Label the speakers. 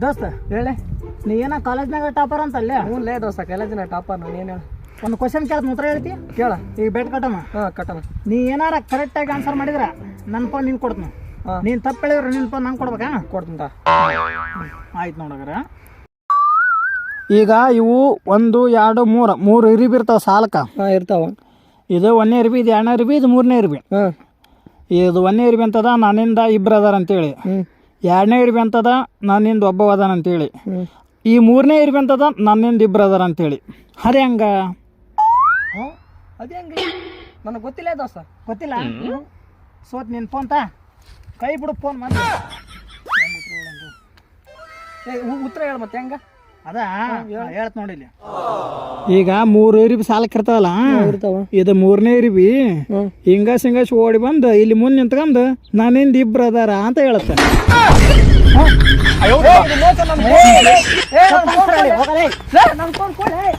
Speaker 1: ದೋಸ್ತ
Speaker 2: ಹೇಳಿ.
Speaker 1: ನೀ ಏನ ಕಾಲೇಜ್ನಾಗ ಟಾಪರ್ ಅಂತಲ್ಲೇ?
Speaker 2: ಹ್ಞೂ ದೋಸ್ತ ಕಾಲೇಜಿನ ಟಾಪರ್ ನಾನು ಏನು ಹೇಳ.
Speaker 1: ಒಂದು ಕ್ವಶನ್ ಕೇಳ್ತ ಉತ್ತರ ಹೇಳ್ತಿ?
Speaker 2: ಕೇಳ.
Speaker 1: ಈಗ ಬೆಟ್ ಕಟ್ಟಮ್ಮ.
Speaker 2: ಹಾಂ ಕಟ್ಟಣ.
Speaker 1: ನೀ ಏನಾರ ಕರೆಕ್ಟಾಗಿ ಆನ್ಸರ್ ಮಾಡಿದ್ರ ನನ್ನ ಫೋನ್ ನಿನ್ ಕೊಡ್ತೀನಿ. ನೀನು ತಪ್ಪು ಹೇಳಿದ್ರೆ ನಿನ್ನ ಫೋನ್ ನಂಗೆ ಕೊಡ್ಬೇಕಾ?
Speaker 2: ಕೊಡ್ತೀನಿ.
Speaker 1: ಆಯ್ತು ನೋಡಗ್ರ. ಈಗ ಇವು 1 2 3 3 ಇರಿಬಿ ಇರ್ತಾವ ಸಾಲಕ್ಕ.
Speaker 2: ಹಾಂ ಇರ್ತಾವ.
Speaker 1: ಇದು 1ನೇ ಇರ್ಬಿ, ಇದು 2ನೇ ಇರ್ಬಿ, ಇದು 3ನೇ ಇರ್ಬಿ.
Speaker 2: ಹಾಂ
Speaker 1: ಇದು 1ನೇ ಇರ್ಬಿ ಅಂತದ ನನ್ನಿಂದ ಇಬ್ಬರು ಅದಾರ ಅಂತೇಳಿ. 2ನೇ ಇರ್ಬಿ ಅಂತದ ನನ್ನಿಂದ ಒಬ್ಬ ಅದಾನ ಅಂತೇಳಿ. ಈ 3ನೇ ಇರ್ಬಿ ಅಂತದ ನನ್ನಿಂದ ಇಬ್ಬರು ಅದಾರ ಅಂತೇಳಿ. ಅದೇ ಹಂಗ
Speaker 2: ಅದೇ ಹಂಗೆ ನನಗೆ ಗೊತ್ತಿಲ್ಲ ದೋಸ್ತ.
Speaker 1: ಗೊತ್ತಿಲ್ಲ? ಸೋತ್ ನಿನ್ನ ಫೋನ್ ತಾ ಕೈ ಬಿಡು ಫೋನ್ ಮಾಡಿ.
Speaker 2: ಉತ್ತರ ಹೇಳ ಮತ್ತೆ ಹೆಂಗ
Speaker 1: ಅದ ಹೇಳ್ತ ನೋಡಿಲಿ. ಈಗ 3 ಇರಿಬಿ ಸಾಲಕ್ಕೆ ಇರ್ತಾವಲ್ಲ, ಇದು 3ನೇ ಇರಿಬಿ ಹಿಂಗ ಓಡಿ ಬಂದು ಇಲ್ಲಿ ಮುಂದೆ ನಿಂತ್ಕೊಂಡು ನನ್ನಿಂದ ಇಬ್ರು ಅದಾರ ಅಂತ ಹೇಳುತ್ತೆ.
Speaker 2: ನನ್ನ ಫೋನ್ ಕೊಡಿ.